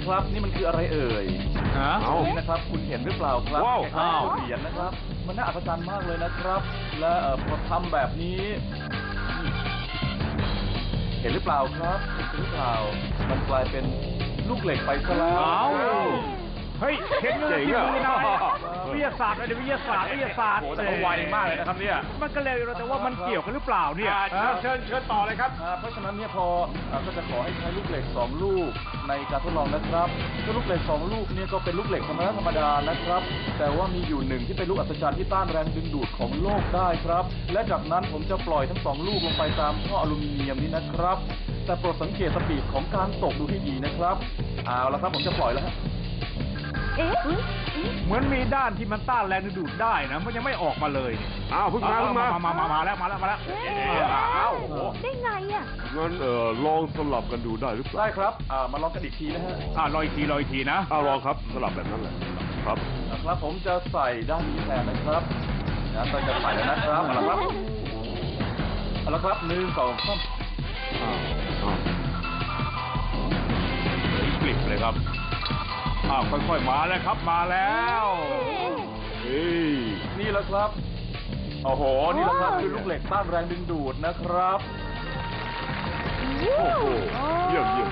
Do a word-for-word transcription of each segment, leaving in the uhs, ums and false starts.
ครับนี่มันคืออะไรเอ่ยฮะนี่นะครับคุณเห็นหรือเปล่าครับว้าวเหรียญนะครับมันน่าอัศจรรย์มากเลยนะครับและพอทำแบบนี้เห็นหรือเปล่าครับเห็นหรือเปล่ามันกลายเป็นลูกเหล็กไปซะแล้วเฮ้ยเห็นเลยที่มือนายวิทยาศาสตร์อะไรวิทยาศาสตร์วิทยาศาสตร์โอ้แต่ไวมากเลยนะครับเนี่ยมันก็เลยแต่ว่ามันเกี่ยวกันหรือเปล่าเนี่ยเชิญเชิญต่อเลยครับเพราะฉะนั้นเนี่ยพอก็จะขอให้ใช้ลูกเหล็กสองลูกในการทดลองนะครับก็ลูกเหล็กสองลูกเนี่ยก็เป็นลูกเหล็กธรรมดาธรรมดานะครับแต่ว่ามีอยู่หนึ่งที่เป็นลูกอัศจรรย์ที่ต้านแรงดึงดูดของโลกได้ครับและจากนั้นผมจะปล่อยทั้งสองลูกลงไปตามท่ออลูมิเนียมนี้นะครับแต่โปรดสังเกตสปีดของการตกดูให้ดีนะครับเอาละครับผมจะปล่อยแล้วเอ๊ะเหมือนมีด้านที่มันต้านแรงดึงดูดได้นะมันยังไม่ออกมาเลยอ้าวเพิ่งมาเพิ่งมามามามาแล้วมาแล้วมาแล้วอ้าวได้ไงอ่ะงั้นเออลองสลับกันดูได้หรือเปล่าได้ครับอ่ามาลองกันอีกทีนะฮะอ่าลองอีกทีลองอีกทีนะอ่าลองครับสลับแบบนั้นแหละครับนะครับผมจะใส่ด้านนี้แทนนะครับนะเราจะใส่แล้วนะครับเอาละครับเอาละครับหนึ่งสองสามอ่าอ่ากลิบเลยครับอ้าวค่อยๆมาแล้วครับมาแล้วเฮ้ยนี่แหละครับโอ้โหนี่แหละครับคือลูกเหล็กต้านแรงดึงดูดนะครับโอ้โหเยี่ยมเยี่ยม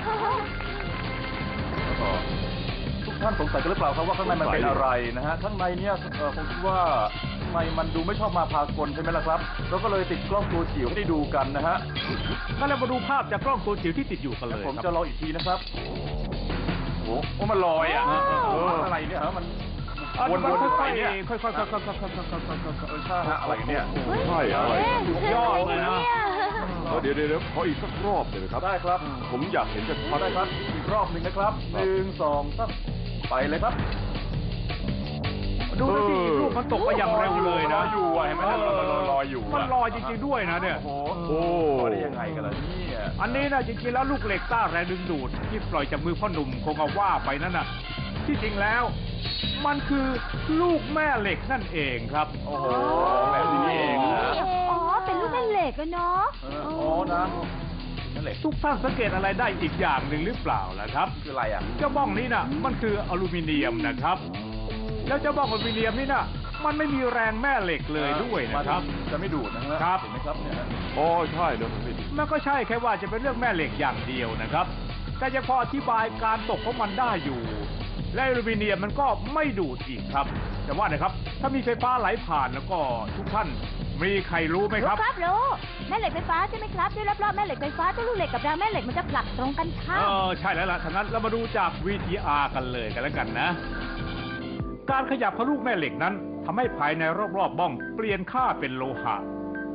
ทุกท่านสงสัยกันหรือเปล่าครับว่าข้างในมันเป็นอะไรนะฮะข้างในเนี่ยผมคิดว่าข้างในมันดูไม่ชอบมาพากลใช่ไหมล่ะครับเราก็เลยติดกล้องตัวจิ๋วให้ได้ดูกันนะฮะงั้นเรามาดูภาพจากกล้องตัวจิ๋วที่ติดอยู่กันเลยผมจะลองอีกทีนะครับโอ้โหมันลอยอ่ะอะไรเนี่ยฮะมันวนๆไปเนี่ยค่อยๆค่อยๆค่อยๆค่อยๆค่อยๆค่อยๆใช่ฮะอะไรเนี่ยใช่อะไรยอดเลยนะเดี๋ยวเดี๋ยวขออีกสักรอบเลยครับได้ครับผมอยากเห็นจะพอได้ครับอีกรอบหนึ่งนะครับหนึ่งสองสามไปเลยครับดูสิลูกมันตกไปอย่างเร็วเลยนะอยู่เห็นไหมมันลอยอยู่มันลอยจริงๆด้วยนะเนี่ยโอ้โหได้ยังไงกันล่ะเนี่ยอันนี้นะจริงๆแล้วลูกเหล็กต้านแรงดึงดูดที่ปล่อยจากมือพ่อหนุ่มคงเอาว่าไปนั่นน่ะที่จริงแล้วมันคือลูกแม่เหล็กนั่นเองครับโอ้โหแบบนี้เองนะอ๋อเป็นลูกแม่เหล็กอะเนาะอ๋อนะทุกท่านสังเกตอะไรได้อีกอย่างหนึ่งหรือเปล่าล่ะครับคืออะไรอ่ะเจ้าบ้องนี้น่ะมันคืออลูมิเนียมนะครับแล้วเจ้าบ้องอลูมิเนียมนี่น่ะมันไม่มีแรงแม่เหล็กเลยด้วยนะครับจะไม่ดูดนะฮะครับเห็นไหมครับเนี่ยอ๋อใช่เลยมันก็ใช่แค่ว่าจะเป็นเรื่องแม่เหล็กอย่างเดียวนะครับแต่จะพออธิบายการตกของมันได้อยู่และอลูมิเนียมมันก็ไม่ดูดอีกครับแต่ว่านะครับถ้ามีไฟฟ้าไหลผ่านแล้วก็ทุกท่านมีใครรู้ไหมครับครับรู้แม่เหล็กไฟฟ้าใช่ไหมครับด้วยรอบๆแม่เหล็กไฟฟ้าตัวลูกเหล็กกับรางแม่เหล็กมันจะผลักตรงกันข้ามเออใช่แล้วล่ะฉะนั้นเรามาดูจาก วี ที อาร์ กันเลยกันแล้วกันนะการขยับของลูกแม่เหล็กนั้นทำให้ภายในรอบๆบ้องเปลี่ยนค่าเป็นโลหะ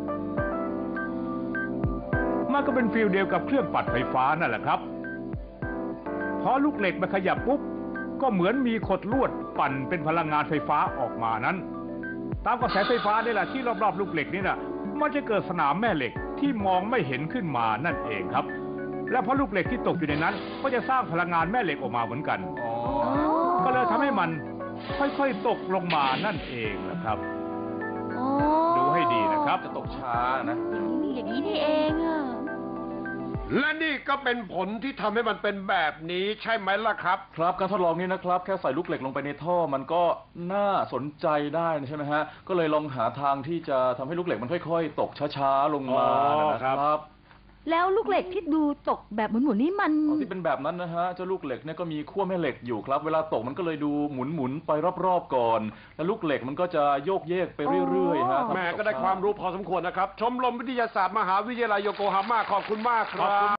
มันก็เป็นฟิลเดียวกับเครื่องปั่นไฟฟ้านั่นแหละครับพอลูกเหล็กมันขยับปุ๊บก็เหมือนมีขดลวดปั่นเป็นพลังงานไฟฟ้าออกมานั้นตามกระแสไฟฟ้านี่แหละที่รอบๆลูกเหล็กนี่นะมันจะเกิดสนามแม่เหล็กที่มองไม่เห็นขึ้นมานั่นเองครับและเพราะลูกเหล็กที่ตกอยู่ในนั้นก็จะสร้างพลังงานแม่เหล็กออกมาเหมือนกันก็เลยทำให้มันค่อยๆตกลงมานั่นเองนะครับดูให้ดีนะครับจะตกช้านะอย่างนี้นี่เองอะและนี่ก็เป็นผลที่ทำให้มันเป็นแบบนี้ใช่ไหมล่ะครับครับการทดลองนี้นะครับแค่ใส่ลูกเหล็กลงไปในท่อมันก็น่าสนใจได้ใช่ไหมฮะก็เลยลองหาทางที่จะทำให้ลูกเหล็กมันค่อยๆตกช้าๆลงมานะครับแล้วลูกเหล็กที่ดูตกแบบหมุนๆนี่มันที่เป็นแบบนั้นนะฮะเจ้าลูกเหล็กเนี่ยก็มีขั้วแม่เหล็กอยู่ครับเวลาตกมันก็เลยดูหมุนๆไปรอบๆก่อนแล้วลูกเหล็กมันก็จะโยกเยกไปเรื่อยๆฮะแม่ก็ได้ความรู้พอสมควรนะครับชมรมวิทยาศาสตร์มหาวิทยาลัยโยโกฮาม่าขอบคุณมากครับ